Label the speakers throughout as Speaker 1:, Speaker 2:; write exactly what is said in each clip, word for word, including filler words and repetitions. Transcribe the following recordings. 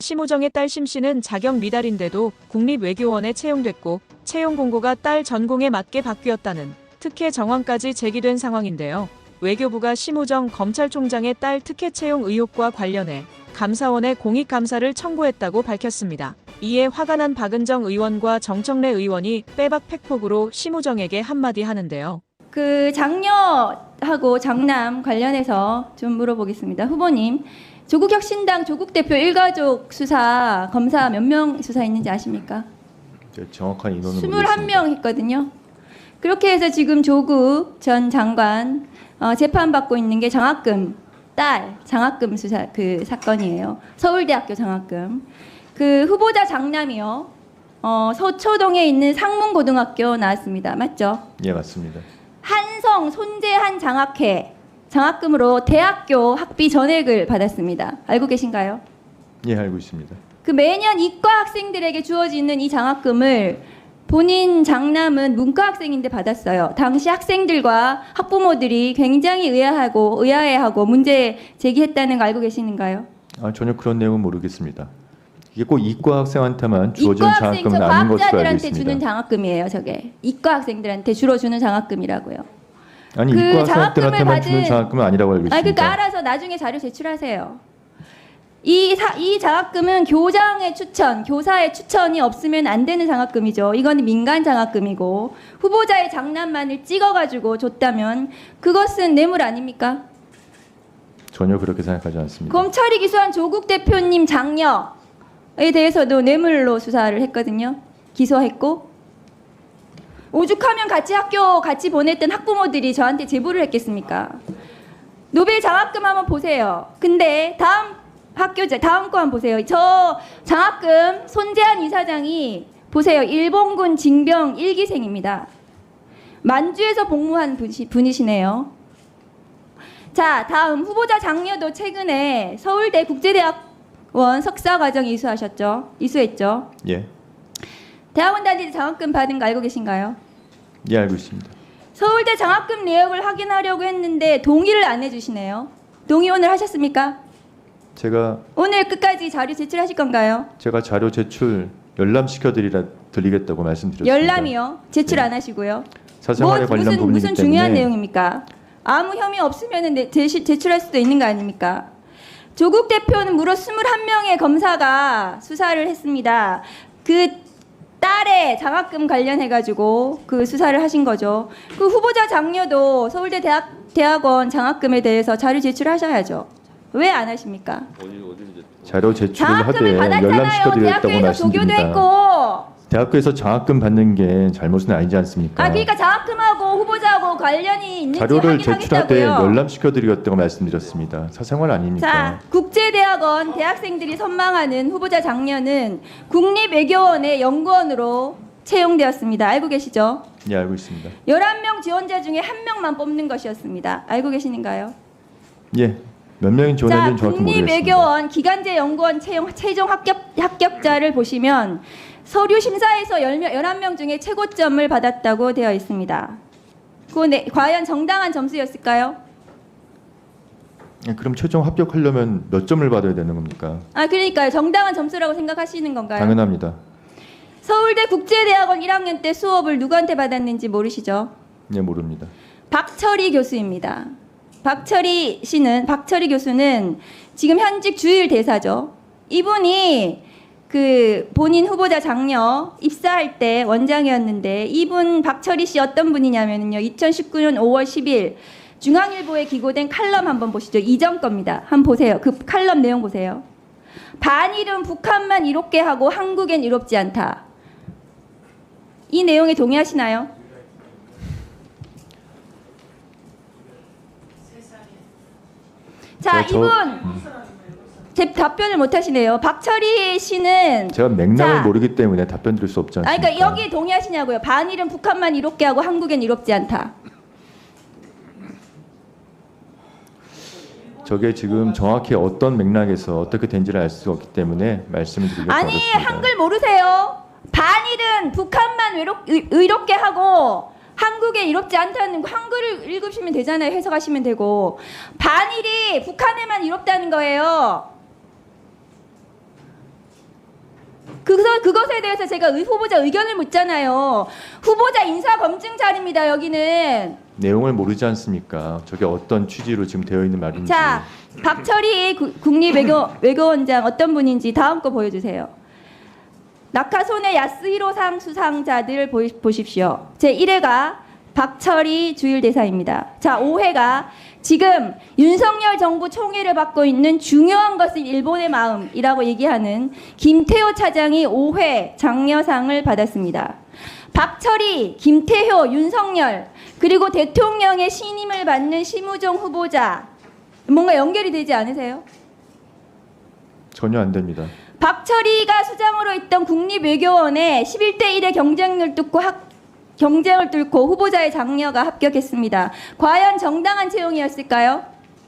Speaker 1: 심우정의 딸 심씨는 자격 미달인데도 국립외교원에 채용됐고 채용 공고가 딸 전공에 맞게 바뀌었다는 특혜 정황까지 제기된 상황인데요. 외교부가 심우정 검찰총장의 딸 특혜 채용 의혹과 관련해 감사원에 공익감사를 청구했다고 밝혔습니다. 이에 화가 난 박은정 의원과 정청래 의원이 빼박 팩폭으로 심우정에게 한마디 하는데요.
Speaker 2: 그 장녀하고 장남 관련해서 좀 물어보겠습니다. 후보님, 조국혁신당 조국 대표 일가족 수사 검사 몇 명 수사했는지 아십니까?
Speaker 3: 네, 정확한 인원은
Speaker 2: 이십일 명 했거든요. 그렇게 해서 지금 조국 전 장관 어, 재판받고 있는 게 장학금, 딸 장학금 수사 그 사건이에요. 서울대학교 장학금. 그 후보자 장남이요. 어, 서초동에 있는 상문고등학교 나왔습니다. 맞죠?
Speaker 3: 예, 맞습니다.
Speaker 2: 한성 손재한 장학회 장학금으로 대학교 학비 전액을 받았습니다. 알고 계신가요?
Speaker 3: 예, 알고 있습니다.
Speaker 2: 그 매년 이과 학생들에게 주어지는 이 장학금을 본인 장남은 문과 학생인데 받았어요. 당시 학생들과 학부모들이 굉장히 의아하고 의아해하고 문제 제기했다는 거 알고 계시는가요?
Speaker 3: 아, 전혀 그런 내용은 모르겠습니다. 이게 꼭 이과 학생한테만 주어지는
Speaker 2: 이과 학생,
Speaker 3: 장학금은 아닌 것으로 알고
Speaker 2: 과학자들한테
Speaker 3: 있습니다.
Speaker 2: 주는 장학금이에요. 저게 이과 학생들한테 주로 주는 장학금이라고요.
Speaker 3: 아니,
Speaker 2: 그
Speaker 3: 이과
Speaker 2: 장학금을
Speaker 3: 학생한테만
Speaker 2: 받은-
Speaker 3: 주는 장학금은 아니라고 알고 있습니다.
Speaker 2: 아, 그러니까 알아서 나중에 자료 제출하세요. 이, 사, 이 장학금은 교장의 추천, 교사의 추천이 없으면 안 되는 장학금이죠. 이건 민간 장학금이고 후보자의 장남만을 찍어가지고 줬다면 그것은 뇌물 아닙니까?
Speaker 3: 전혀 그렇게 생각하지 않습니다.
Speaker 2: 검찰이 기소한 조국 대표님 장녀에 대해서도 뇌물로 수사를 했거든요. 기소했고 오죽하면 같이 학교 같이 보냈던 학부모들이 저한테 제보를 했겠습니까? 노벨 장학금 한번 보세요. 근데 다음 학교제 다음 거 한번 보세요. 저 장학금 손재한 이사장이 보세요. 일본군 징병 일 기생입니다. 만주에서 복무한 분이, 분이시네요. 자, 다음 후보자 장녀도 최근에 서울대 국제대학원 석사과정 이수하셨죠? 이수했죠?
Speaker 3: 예,
Speaker 2: 대학원 다닐 때 장학금 받은 거 알고 계신가요?
Speaker 3: 예, 알고 있습니다.
Speaker 2: 서울대 장학금 내역을 확인하려고 했는데 동의를 안 해주시네요. 동의 오늘 하셨습니까?
Speaker 3: 제가
Speaker 2: 오늘 끝까지 자료 제출하실 건가요?
Speaker 3: 제가 자료 제출 열람시켜 드리라 드리겠다고 말씀드렸습니다.
Speaker 2: 열람이요? 제출
Speaker 3: 네.
Speaker 2: 안 하시고요?
Speaker 3: 사생활에
Speaker 2: 뭐,
Speaker 3: 관련
Speaker 2: 무슨,
Speaker 3: 부분이기
Speaker 2: 무슨
Speaker 3: 때문에
Speaker 2: 중요한 내용입니까? 아무 혐의 없으면 제출할 수도 있는 거 아닙니까? 조국 대표는 무려 이십일 명의 검사가 수사를 했습니다. 그 딸의 장학금 관련해가지고 그 수사를 하신 거죠. 그 후보자 장녀도 서울대 대학, 대학원 장학금에 대해서 자료 제출하셔야죠. 왜 안 하십니까?
Speaker 3: 자료 제출을
Speaker 2: 장학금을
Speaker 3: 하되 열람시켜
Speaker 2: 받았잖아요.
Speaker 3: 드리겠다고
Speaker 2: 대학교에서 조교도
Speaker 3: 말씀드립니다.
Speaker 2: 했고.
Speaker 3: 대학교에서 장학금 받는 게 잘못은 아니지 않습니까?
Speaker 2: 아, 그러니까 장학금하고 후보자하고 관련이 있는지
Speaker 3: 자료를 제출할 때
Speaker 2: 확인하겠다고요.
Speaker 3: 열람시켜 드리겠다고 말씀드렸습니다. 사생활 아닙니까?
Speaker 2: 자, 국제대학원 대학생들이 선망하는 후보자 장녀는 국립외교원의 연구원으로 채용되었습니다. 알고 계시죠?
Speaker 3: 예, 알고 있습니다.
Speaker 2: 열한 명 지원자 중에 한 명만 뽑는 것이었습니다. 알고 계시는가요?
Speaker 3: 예, 몇 명이
Speaker 2: 자,
Speaker 3: 지원했는지 정확히 모르겠습니다.
Speaker 2: 국립외교원 기간제 연구원 채용 최종 합격, 합격자를 보시면 서류 심사에서 열한 명 중에 최고점을 받았다고 되어 있습니다. 그 네, 과연 정당한 점수였을까요?
Speaker 3: 예, 그럼 최종 합격하려면 몇 점을 받아야 되는 겁니까?
Speaker 2: 아, 그러니까요. 정당한 점수라고 생각하시는 건가요?
Speaker 3: 당연합니다.
Speaker 2: 서울대 국제대학원 일 학년 때 수업을 누구한테 받았는지 모르시죠?
Speaker 3: 예, 모릅니다.
Speaker 2: 박철희 교수입니다. 박철희 씨는 박철희 교수는 지금 현직 주일 대사죠. 이분이 그 본인 후보자 장녀 입사할 때 원장이었는데 이분 박철희 씨 어떤 분이냐면요. 이천십구 년 오월 십일 중앙일보에 기고된 칼럼 한번 보시죠. 이전 겁니다. 한번 보세요. 그 칼럼 내용 보세요. 반일은 북한만 이롭게 하고 한국엔 이롭지 않다. 이 내용에 동의하시나요? 자,
Speaker 3: 저- 저-
Speaker 2: 이분 제 답변을 못 하시네요. 박철희 씨는
Speaker 3: 제가 맥락을
Speaker 2: 자,
Speaker 3: 모르기 때문에 답변 드릴 수 없지
Speaker 2: 아,
Speaker 3: 않습니까?
Speaker 2: 그러니까 여기 동의하시냐고요. 반일은 북한만 이롭게 하고 한국엔 이롭지 않다.
Speaker 3: 저게 지금 정확히 어떤 맥락에서 어떻게 된지를 알 수 없기 때문에 말씀을 드리기
Speaker 2: 아니,
Speaker 3: 어렵습니다.
Speaker 2: 한글 모르세요? 반일은 북한만 외롭, 의, 의롭게 하고 한국에 이롭지 않다는 거 한글을 읽으시면 되잖아요. 해석하시면 되고. 반일이 북한에만 이롭다는 거예요. 그래서 그것에 대해서 제가 의- 후보자 의견을 묻잖아요. 후보자 인사 검증 자리입니다. 여기는.
Speaker 3: 내용을 모르지 않습니까? 저게 어떤 취지로 지금 되어 있는 말인지.
Speaker 2: 자, 박철희 구- 국립외교 외교원장 어떤 분인지 다음 거 보여주세요. 낙하손의 야스히로상 수상자들 보이, 보십시오. 제일 회가 박철희 주일대사입니다. 자, 오 회가 지금 윤석열 정부 총애를 받고 있는 중요한 것은 일본의 마음이라고 얘기하는 김태호 차장이 오 회 장려상을 받았습니다. 박철희, 김태효, 윤석열 그리고 대통령의 신임을 받는 심우정 후보자 뭔가 연결이 되지 않으세요?
Speaker 3: 전혀 안 됩니다.
Speaker 2: 박철희가 수장으로 있던 국립외교원에 십일 대 일의 경쟁을 뚫고 합, 경쟁을 뚫고 후보자의 장려가 합격했습니다. 과연 정당한 채용이었을까요?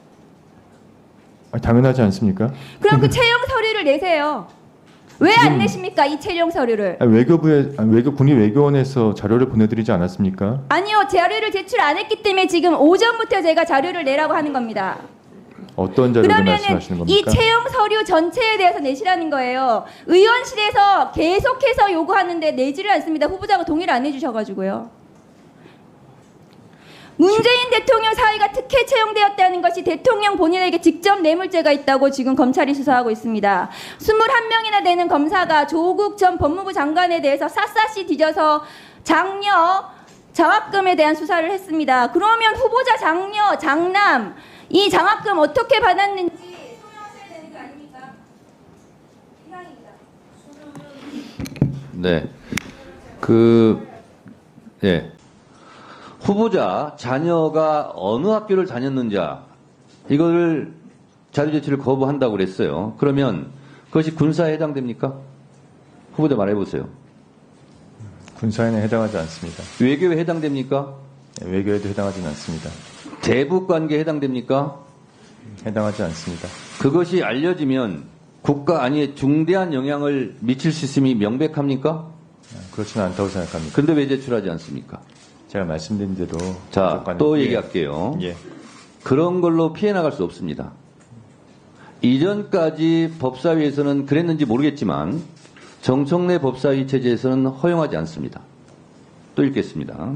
Speaker 3: 아, 당연하지 않습니까?
Speaker 2: 그럼 그 채용 서류를 내세요. 왜 안
Speaker 3: 지금-
Speaker 2: 내십니까? 이 채용 서류를.
Speaker 3: 아, 외교부에 아, 외교 국립외교원에서 자료를 보내드리지 않았습니까?
Speaker 2: 아니요. 자료를 제출 안 했기 때문에 지금 오전부터 제가 자료를 내라고 하는 겁니다.
Speaker 3: 어떤 자료를
Speaker 2: 그러면은
Speaker 3: 말씀하시는
Speaker 2: 이
Speaker 3: 겁니까?
Speaker 2: 채용 서류 전체에 대해서 내시라는 거예요. 의원실에서 계속해서 요구하는데 내지를 않습니다. 후보자가 동의를 안 해주셔가지고요. 문재인 대통령 사위가 특혜 채용되었다는 것이 대통령 본인에게 직접 뇌물죄가 있다고 지금 검찰이 수사하고 있습니다. 이십일 명이나 되는 검사가 조국 전 법무부 장관에 대해서 샅샅이 뒤져서 장려, 장학금에 대한 수사를 했습니다. 그러면 후보자 장려, 장남 이 장학금 어떻게 받았는지 소명하셔야 되는 거 아닙니까? 이상입니다.
Speaker 4: 네. 그, 예. 후보자 자녀가 어느 학교를 다녔는지 이걸 자료 제출을 거부한다고 그랬어요. 그러면 그것이 군사에 해당됩니까? 후보자 말해보세요.
Speaker 3: 군사에는 해당하지 않습니다.
Speaker 4: 외교에 해당됩니까?
Speaker 3: 네, 외교에도 해당하지는 않습니다.
Speaker 4: 대북 관계에 해당됩니까?
Speaker 3: 해당하지 않습니다.
Speaker 4: 그것이 알려지면 국가 안위에 중대한 영향을 미칠 수 있음이 명백합니까?
Speaker 3: 아, 그렇지는 않다고 생각합니다.
Speaker 4: 근데 왜 제출하지 않습니까?
Speaker 3: 제가 말씀드린 대로
Speaker 4: 자,
Speaker 3: 조건에-
Speaker 4: 또
Speaker 3: 예.
Speaker 4: 얘기할게요.
Speaker 3: 예.
Speaker 4: 그런 걸로 피해 나갈 수 없습니다. 이전까지 법사위에서는 그랬는지 모르겠지만 정청래 법사위 체제에서는 허용하지 않습니다. 또 읽겠습니다.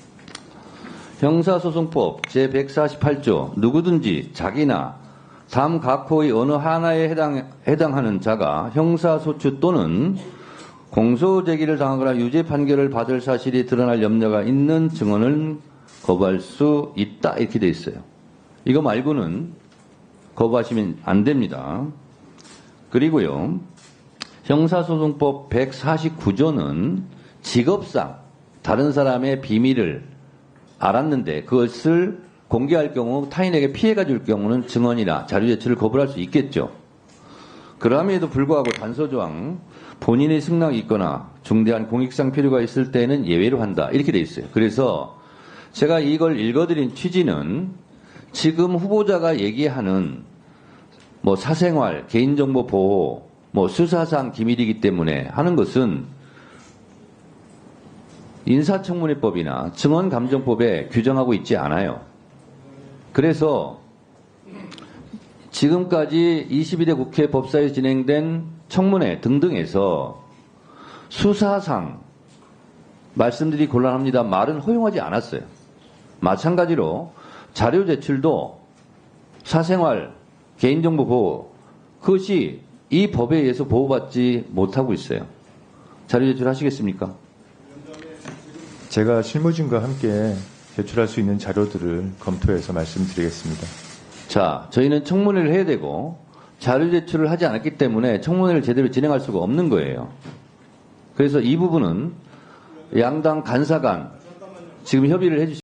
Speaker 4: 형사소송법 제백사십팔 조 누구든지 자기나 다음 각호의 어느 하나에 해당, 해당하는 자가 형사소추 또는 공소제기를 당하거나 유죄 판결을 받을 사실이 드러날 염려가 있는 증언을 거부할 수 있다 이렇게 돼 있어요. 이거 말고는 거부하시면 안 됩니다. 그리고요. 형사소송법 백사십구 조는 직업상 다른 사람의 비밀을 알았는데 그것을 공개할 경우 타인에게 피해가 줄 경우는 증언이나 자료 제출을 거부할 수 있겠죠. 그럼에도 불구하고 단서조항 본인의 승낙이 있거나 중대한 공익상 필요가 있을 때는 예외로 한다 이렇게 돼 있어요. 그래서 제가 이걸 읽어드린 취지는 지금 후보자가 얘기하는 뭐 사생활, 개인정보 보호, 뭐 수사상 기밀이기 때문에 하는 것은 인사청문회법이나 증언감정법에 규정하고 있지 않아요. 그래서 지금까지 이십이 대 국회 법사위에 진행된 청문회 등등에서 수사상 말씀드리기 곤란합니다. 말은 허용하지 않았어요. 마찬가지로 자료 제출도 사생활, 개인정보 보호 그것이 이 법에 의해서 보호받지 못하고 있어요. 자료 제출하시겠습니까?
Speaker 3: 제가 실무진과 함께 제출할 수 있는 자료들을 검토해서 말씀드리겠습니다.
Speaker 4: 자, 저희는 청문회를 해야 되고 자료 제출을 하지 않았기 때문에 청문회를 제대로 진행할 수가 없는 거예요. 그래서 이 부분은 양당 간사 간 지금 협의를 해주시